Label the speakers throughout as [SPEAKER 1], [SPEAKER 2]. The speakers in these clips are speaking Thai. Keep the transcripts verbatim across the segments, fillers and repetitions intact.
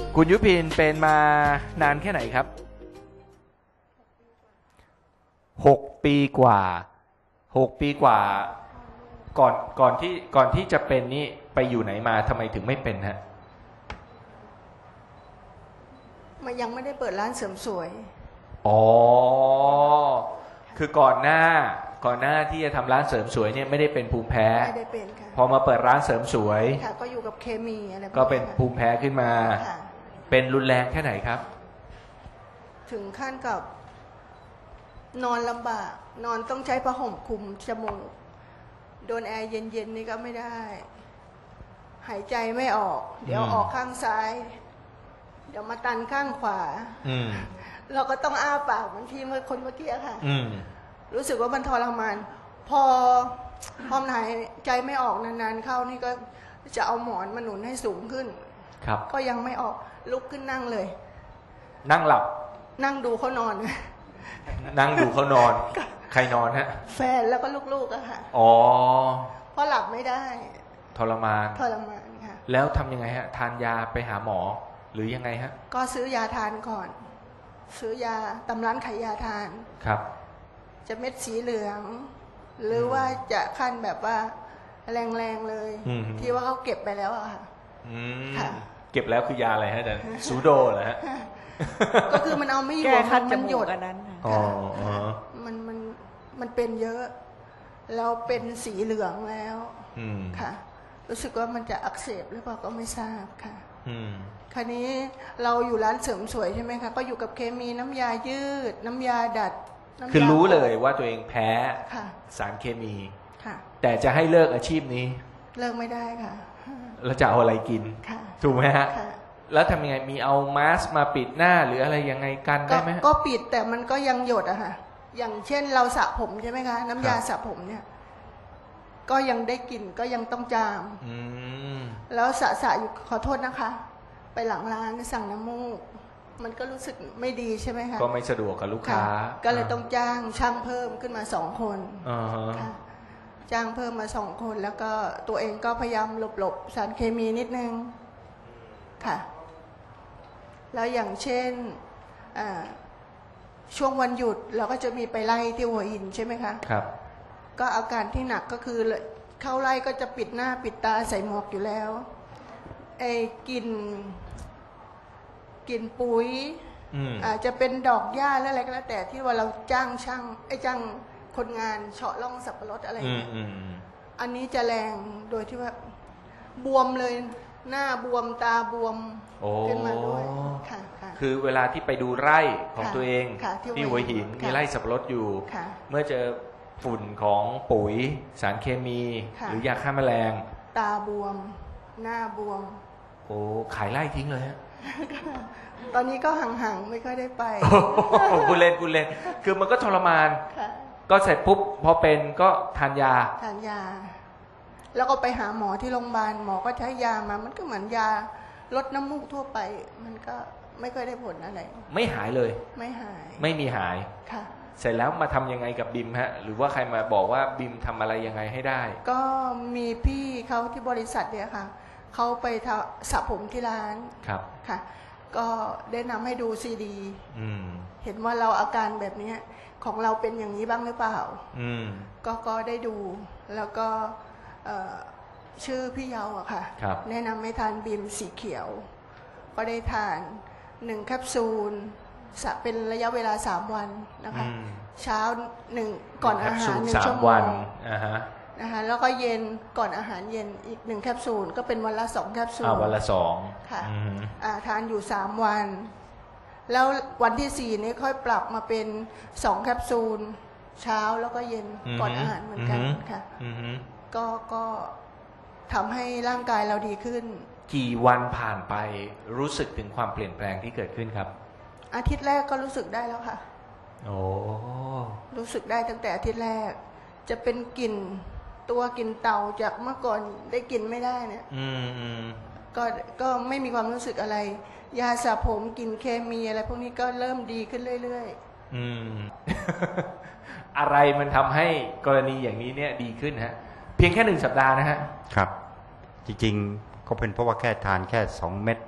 [SPEAKER 1] คุณยุพินเป็นมานานแค่ไหนครับหกปีกว่าหกปีกว่าก่อนก่อนที่ก่อนที่จะเป็นนี่ไปอยู่ไหนมาทำไมถึงไม่เป็นฮะ
[SPEAKER 2] มันยังไม่ได้เปิดร้านเสริมสวย
[SPEAKER 1] อ๋อคือก่อนหน้าก่อนหน้าที่จะทำร้านเสริมสวยเนี่ยไม่ได้เป็นภูมิแพ้
[SPEAKER 2] ไม่ได้เป็นค่ะ
[SPEAKER 1] พอมาเปิดร้านเสริมสวย
[SPEAKER 2] ค่ะก็อยู่กับเคมีอะไร
[SPEAKER 1] ก็เป็นภูมิแพ้ขึ้นมาเป็นรุนแรงแค่ไหนครับ
[SPEAKER 2] ถึงขั้นกับนอนลำบากนอนต้องใช้ผ้าห่มคลุมจมูกโดนแอร์เย็นๆนี่ก็ไม่ได้หายใจไม่ออกเดี๋ยวออกข้างซ้ายเดี๋ยวมาตันข้างขวาเราก็ต้องอ้าปากเหมือนที่เมื่อคนเมื่อกี้ค่ะรู้สึกว่ามันทรมานพอพอหายใจไม่ออกนานๆเข้านี่ก็จะเอาหมอนมาหนุนให้สูงขึ้น
[SPEAKER 1] ครับก็
[SPEAKER 2] ยังไม่ออกลุกขึ้นนั่งเลย
[SPEAKER 1] นั่งหลับ
[SPEAKER 2] นั่งดูเขานอน
[SPEAKER 1] นั่งดูเขานอนใครนอนฮะ
[SPEAKER 2] แฟนแล้วก็ลูกๆอะค่ะ
[SPEAKER 1] อ๋อ
[SPEAKER 2] เพราะหลับไม่ได้
[SPEAKER 1] ทรมาน
[SPEAKER 2] ทรมานค่ะ
[SPEAKER 1] แล้วทำยังไงฮะทานยาไปหาหมอหรือยังไงฮะ
[SPEAKER 2] ก็ซื้อยาทานก่อนซื้อยาตำร้านขายยาทาน
[SPEAKER 1] ครับ
[SPEAKER 2] จะเม็ดสีเหลืองหรือว่าจะขั้นแบบว่าแรงๆเลยที่ว่าเขาเก็บไปแล้วอะค่ะ
[SPEAKER 1] เก็บแล้วคือยาอะไรฮะอาจารย์ซูโดเหรอฮะ
[SPEAKER 2] ก็คือมันเอาไม่อยู่มันหยด
[SPEAKER 1] อันนั้นอ๋อ
[SPEAKER 2] มันมันมันเป็นเยอะแล้วเป็นสีเหลืองแล้วค่ะรู้สึกว่ามันจะอักเสบหรือเปล่าก็ไม่ทราบค่ะคราวนี้เราอยู่ร้านเสริมสวยใช่ไหมคะก็อยู่กับเคมีน้ำยายืดน้ำยาดัด
[SPEAKER 1] คือรู้เลยว่าตัวเองแพ้สารเคมีแต่จะให้เลิกอาชีพนี้
[SPEAKER 2] เลิกไม่ได้ค่ะ
[SPEAKER 1] แล้วจะเอาอะไรกินถูกไหมฮะแล้วทำยังไงมีเอามาสก์มาปิดหน้าหรืออะไรยังไงกันได้ไหม
[SPEAKER 2] ก็ปิดแต่มันก็ยังหยดอะค่ะอย่างเช่นเราสระผมใช่ไหมคะน้ำยาสระผมเนี่ยก็ยังได้กลิ่นก็ยังต้องจามแล้วสระสระอยู่ขอโทษนะคะไปหลังร้านสั่งน้ำมูกมันก็รู้สึกไม่ดีใช่ไหมคะ
[SPEAKER 1] ก็ไม่สะดวกกับลูกค้า
[SPEAKER 2] ก็เลยต้องจ้างช่างเพิ่มขึ้นมาสองคนค่ะจ้างเพิ่มมาสองคนแล้วก็ตัวเองก็พยายามหลบๆสารเคมีนิดนึงค่ะแล้วอย่างเช่นช่วงวันหยุดเราก็จะมีไปไล่ที่หัวหินใช่ไหมคะ
[SPEAKER 1] ครับ
[SPEAKER 2] ก็อาการที่หนักก็คือเข้าไล่ก็จะปิดหน้าปิดตาใส่หมวกอยู่แล้วไอ้กลิ่นกลิ่นปุ๋ยอาจจะเป็นดอกหญ้าแล้วอะไรก็แล้วแต่ที่ว่าเราจ้างช่างไอ้จ้างคนงานเฉาะร่องสับปะรดอะไรอย่างเงี้ยอันนี้จะแรงโดยที่ว่าบวมเลยหน้าบวมตาบวมขึ้นมาด้วยค่ะ
[SPEAKER 1] คือเวลาที่ไปดูไร่ของตัวเองที่หัวหินมีไร่สับปะรดอยู่เมื่อเจอฝุ่นของปุ๋ยสารเคมีหรือยาฆ่าแมลง
[SPEAKER 2] ตาบวมหน้าบวม
[SPEAKER 1] โอ้ขายไร่ทิ้งเลยฮะ
[SPEAKER 2] ตอนนี้ก็ห่างๆไม่ค่อยได้ไป
[SPEAKER 1] กูเล่นกูเล่นคือมันก็ทรมานก็เสร็จปุ๊บพอเป็นก็ทานยา
[SPEAKER 2] ทานยาแล้วก็ไปหาหมอที่โรงพยาบาลหมอก็ใช้ยามามันก็เหมือนยาลดน้ำมูกทั่วไปมันก็ไม่ค่อยได้ผลอะไร
[SPEAKER 1] ไม่หายเลย
[SPEAKER 2] ไม่หาย
[SPEAKER 1] ไม่มีหาย
[SPEAKER 2] ค่ะ
[SPEAKER 1] เสร็จแล้วมาทำยังไงกับบิมฮะหรือว่าใครมาบอกว่าบิมทำอะไรยังไงให้ได้
[SPEAKER 2] ก็มีพี่เขาที่บริษัทเนี่ยค่ะเขาไปสระผมที่ร้าน
[SPEAKER 1] ครับ
[SPEAKER 2] ค่ะก็ได้นำให้ดูซีดีเห็นว่าเราอาการแบบนี้ของเราเป็นอย่างนี้บ้างหรือเปล่าก็ก็ได้ดูแล้วก็ชื่อพี่เยาอะค่ะแนะนำให้ทานบีมสีเขียวก็ได้ทานหนึ่งแคปซูลเป็นระยะเวลาสามวันนะคะเช้าหนึ่งก่อนอาหารหนึ่งชั่วโมงนะคะแล้วก็เย็นก่อนอาหารเย็นอีกหนึ่งแคปซูลก็เป็นวันละสองแคปซูล
[SPEAKER 1] วันละสอง
[SPEAKER 2] ค่ะทานอยู่สามวันแล้ววันที่สี่นี้ค่อยปรับมาเป็นสองแคปซูลเช้าแล้วก็เย็นก่อนอาหารเหมือนกันค่ะก็ก็ทำให้ร่างกายเราดีขึ้น
[SPEAKER 1] กี่วันผ่านไปรู้สึกถึงความเปลี่ยนแปลงที่เกิดขึ้นครับ
[SPEAKER 2] อาทิตย์แรกก็รู้สึกได้แล้วค่ะ
[SPEAKER 1] โอ้
[SPEAKER 2] รู้สึกได้ตั้งแต่อาทิตย์แรกจะเป็นกลิ่นตัวกลิ่นเต่าจากเมื่อก่อนได้กลิ่นไม่ได้เนี่ยก็ก็ไม่มีความรู้สึกอะไรยาสระผมกลิ่นเคมีอะไรพวกนี้ก็เริ่มดีขึ้นเรื่อยๆ
[SPEAKER 1] อืม อะไรมันทำให้กรณีอย่างนี้เนี่ยดีขึ้นฮะเพียงแค่หนึ่งสัปดาห์นะฮะ
[SPEAKER 3] ครับจริงๆก็เป็นเพราะว่าแค่ทานแค่สองเม็ด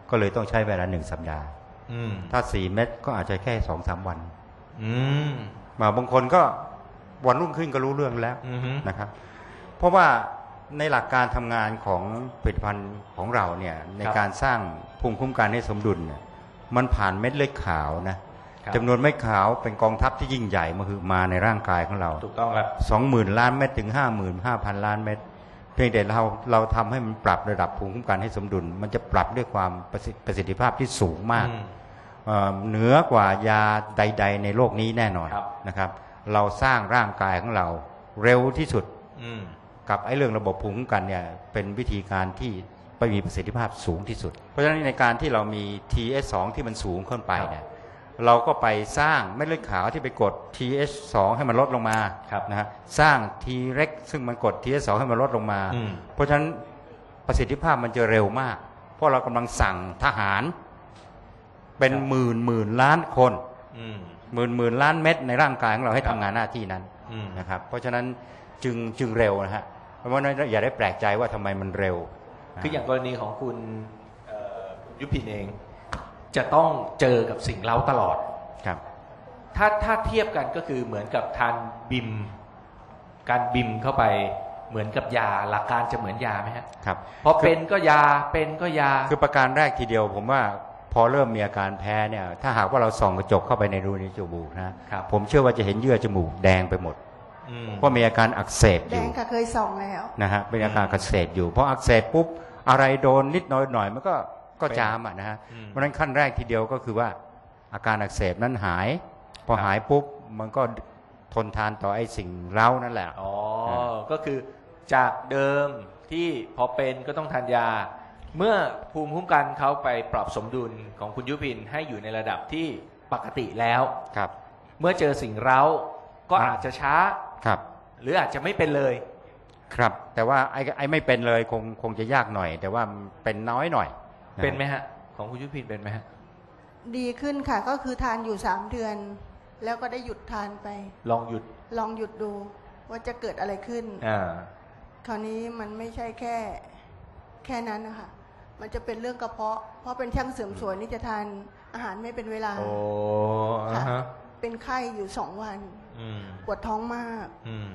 [SPEAKER 3] ก็เลยต้องใช้เวลาหนึ่งสัปดาห์ถ้าสี่เม็ดก็อาจจะแค่สองสามวันมาบางคนก็วันรุ่งขึ้นก็รู้เรื่องแล้วนะครับเพราะว่าในหลักการทำงานของผลิตภัณฑ์ของเราเนี่ยในการสร้างภูมิคุ้มกันให้สมดุลเนี่ยมันผ่านเม็ดเลือดขาวนะจำนวนเม็ดขาวเป็นกองทัพที่ยิ่งใหญ่มาคือมาในร่างกายของเรา
[SPEAKER 1] ถูกต้องครับ
[SPEAKER 3] สองหมื่นล้านเม็ดถึงห้าหมื่นห้าพันล้านเม็ดเพียงแต่เราเราทำให้มันปรับระดับภูมิคุ้มกันให้สมดุลมันจะปรับด้วยความประสิทธิภาพที่สูงมากเหนือกว่ายาใดๆในโลกนี้แน่นอนนะครับเราสร้างร่างกายของเราเร็วที่สุดกับไอ้เรื่องระบบภูมิคุ้มกันเนี่ยเป็นวิธีการที่ไปมีประสิทธิภาพสูงที่สุดเพราะฉะนั้นในการที่เรามี ที เอช สอง ที่มันสูงขึ้นไปเนี่ยเราก็ไปสร้างเม็ดเลือดขาวที่ไปกด ที เอช สอง ให้มันลดลงมานะฮะสร้าง T เร็กซึ่งมันกด ที เอช สอง ให้มันลดลงมาเพราะฉะนั้นประสิทธิภาพมันจะเร็วมากเพราะเรากำลังสั่งทหารเป็นหมื่นหมื่นล้านคนหมื่นหมื่นล้านเม็ดในร่างกายของเราให้ทำงานหน้าที่นั้นนะครับเพราะฉะนั้นจึงจึงเร็วนะฮะเพราะฉะนั้นอย่าได้แปลกใจว่าทำไมมันเร็ว
[SPEAKER 1] คืออย่างกรณีของคุณยุพินเองจะต้องเจอกับสิ่งเร้าตลอด
[SPEAKER 3] ครับ
[SPEAKER 1] ถ้าถ้าเทียบกันก็คือเหมือนกับทานบิมการบิมเข้าไปเหมือนกับยาหลักการจะเหมือนยาไหมฮะ
[SPEAKER 3] ครับ
[SPEAKER 1] พอเป็นก็ยาเป็นก็ยา
[SPEAKER 3] คือประการแรกทีเดียวผมว่าพอเริ่มมีอาการแพ้เนี่ยถ้าหากว่าเราส่องกระจกเข้าไปในรูในจมูกนะผมเชื่อว่าจะเห็นเยื่อจมูกแดงไปหมดเพราะมีอาการอักเสบอยู่
[SPEAKER 2] แดงค่ะเคยส่องแล้ว
[SPEAKER 3] นะฮะเป็นอาการอักเสบอยู่เพราะอักเสบปุ๊บอะไรโดนนิดน้อยหน่อยมันก็ก็จามอ่ะนะฮะเพราะฉะนั้นขั้นแรกทีเดียวก็คือว่าอาการอักเสบนั้นหายพอหายปุ๊บมันก็ทนทานต่อไอ้สิ่งเร้านั่นแหละ
[SPEAKER 1] อ๋อก็คือจากเดิมที่พอเป็นก็ต้องทานยาเมื่อภูมิคุ้มกันเขาไปปรับสมดุลของคุณยุพินให้อยู่ในระดับที่ปกติแล้ว
[SPEAKER 3] ครับ
[SPEAKER 1] เมื่อเจอสิ่งเร้าก็อาจจะช้า
[SPEAKER 3] ครับ
[SPEAKER 1] หรืออาจจะไม่เป็นเลย
[SPEAKER 3] ครับแต่ว่าไอ้ไอ้ไม่เป็นเลยคงคงจะยากหน่อยแต่ว่าเป็นน้อยหน่อย
[SPEAKER 1] เป็นไหมฮะของคุณยุพินเป็นไหมฮะ
[SPEAKER 2] ดีขึ้นค่ะก็คือทานอยู่สามเดือนแล้วก็ได้หยุดทานไป
[SPEAKER 1] ลองหยุด
[SPEAKER 2] ลองหยุดดูว่าจะเกิดอะไรขึ้น
[SPEAKER 1] อ่า
[SPEAKER 2] คราวนี้มันไม่ใช่แค่แค่นั้นนะคะมันจะเป็นเรื่องกระเพาะเพราะเป็นช่างเสริมสวยนี่จะทานอาหารไม่เป็นเวลา
[SPEAKER 1] โอ้
[SPEAKER 2] ค่ะเป็นไข้อยู่สองวันปวดท้องมาก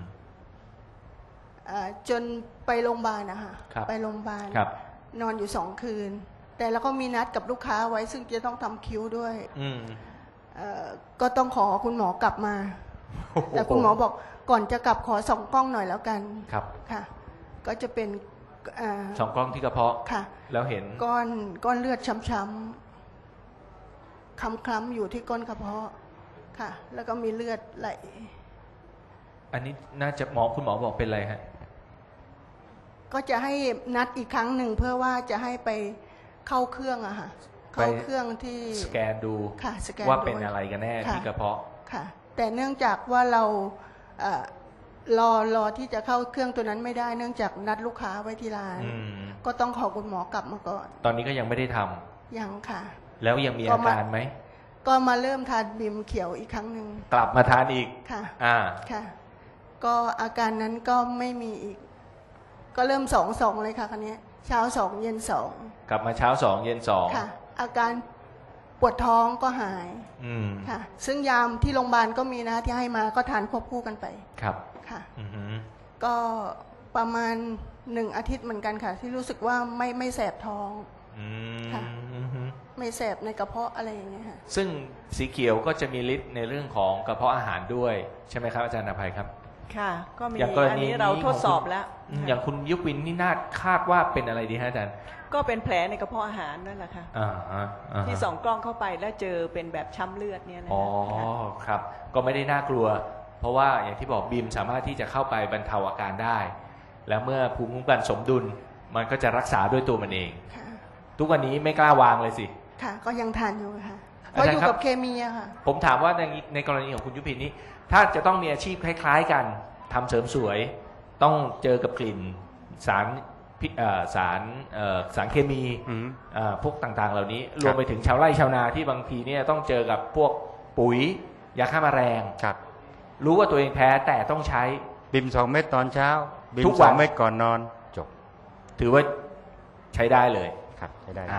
[SPEAKER 2] จนไปโรงพยาบาลนะคะไปโรงพยาบาลนอนอยู่สองคืนแต่แล้วก็มีนัดกับลูกค้าไว้ซึ่งจะต้องทำคิ้วด้วยก็ต้องขอคุณหมอกลับมาแต่คุณหมอบอกก่อนจะกลับขอส่องกล้องหน่อยแล้วกัน
[SPEAKER 1] ครับ
[SPEAKER 2] ค่ะก็จะเป็น
[SPEAKER 1] ส่องกล้องที่กระเพาะ
[SPEAKER 2] ค่ะ
[SPEAKER 1] แล้วเห็น
[SPEAKER 2] ก้อนก้อนเลือดช้ำๆคล้ำๆอยู่ที่ก้นกระเพาะค่ะแล้วก็มีเลือดไหล
[SPEAKER 1] อันนี้น่าจะหมอคุณหมอบอกเป็นอะไรฮะ
[SPEAKER 2] ก็จะให้นัดอีกครั้งหนึ่งเพื่อว่าจะให้ไปเข้าเครื่องอะค่ะเข้าเครื่องที่
[SPEAKER 1] สแกนดู
[SPEAKER 2] ค่ะสแกน
[SPEAKER 1] ว่าเป็นอะไรกันแน่ที่กระเพาะ
[SPEAKER 2] ค่ะแต่เนื่องจากว่าเรารอรอที่จะเข้าเครื่องตัวนั้นไม่ได้เนื่องจากนัดลูกค้าไว้ที่ร้านก็ต้องขอคุณหมอกลับมาก่อน
[SPEAKER 1] ตอนนี้ก็ยังไม่ได้ทำ
[SPEAKER 2] ยังค่ะ
[SPEAKER 1] แล้วยังมีอาการไหม
[SPEAKER 2] ก็มาเริ่มทานบิมเขียวอีกครั้งหนึ่ง
[SPEAKER 1] กลับมาทานอีก
[SPEAKER 2] ค่ะ
[SPEAKER 1] อ่า
[SPEAKER 2] ค่ะก็อาการนั้นก็ไม่มีอีกก็เริ่มสองสองเลยค่ะครั้งนี้เช้าสองเย็นสอง
[SPEAKER 1] กลับมาเช้าสองเย็นสอง
[SPEAKER 2] ค่ะอาการปวดท้องก็หายค่ะซึ่งยามที่โรงพยาบาลก็มีนะที่ให้มาก็ทานควบคู่กันไป
[SPEAKER 1] ครับ
[SPEAKER 2] ค่ะก็ประมาณหนึ่งอาทิตย์เหมือนกันค่ะที่รู้สึกว่าไม่ไม่แสบท้องค่ะไม่แสบในกระเพาะอะไรอย่างเงี้ยค่ะ
[SPEAKER 1] ซึ่งสีเขียวก็จะมีฤทธิ์ในเรื่องของกระเพาะอาหารด้วยใช่ไหมครับอาจารย์อภัยครับ
[SPEAKER 4] ค่ะก็มีอันนี้เราทดสอบแล้ว
[SPEAKER 1] อย่างคุณยุพินนี่น่าคาดว่าเป็นอะไรดีฮะอาจารย์
[SPEAKER 4] ก็เป็นแผลในกระเพาะอาหารนั่นแหละค่ะที่ส่องกล้องเข้าไปแล้วเจอเป็นแบบช้ำเลือดเนี่ยนะ
[SPEAKER 1] อ๋อครับก็ไม่ได้น่ากลัวเพราะว่าอย่างที่บอกบีมสามารถที่จะเข้าไปบรรเทาอาการได้แล้วเมื่อภูมิคุ้มกันสมดุลมันก็จะรักษาด้วยตัวมันเองทุกวันนี้ไม่กล้าวางเลยสิ
[SPEAKER 2] ค่ะก็ยังทานอยู่ค่ะเพราะอยู่กับเคมีอะค่ะ
[SPEAKER 1] ผมถามว่าในในกรณีของคุณยุพินนี้ถ้าจะต้องมีอาชีพคล้ายๆกันทำเสริมสวยต้องเจอกับกลิ่นสารสารสารเคมีพวกต่างๆเหล่านี้รวมไปถึงชาวไร่ชาวนาที่บางทีเนี่ยต้องเจอกับพวกปุ๋ยยาฆ่าแมลงรู้ว่าตัวเองแพ้แต่ต้องใช้
[SPEAKER 3] บิมสองเม็ดตอนเช้าบิมสองเม็ดก่อนนอนจบ
[SPEAKER 1] ถือว่าใช้ได้เลย
[SPEAKER 3] ครับใช้ได้
[SPEAKER 1] อ่าอ่า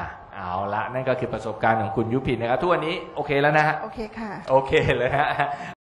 [SPEAKER 1] เอาละนั่นก็คือประสบการณ์ของคุณยุพินนะครับทุกวันนี้โอเคแล้วนะฮะ
[SPEAKER 2] โอเคค่ะ
[SPEAKER 1] โอเคเลยฮะ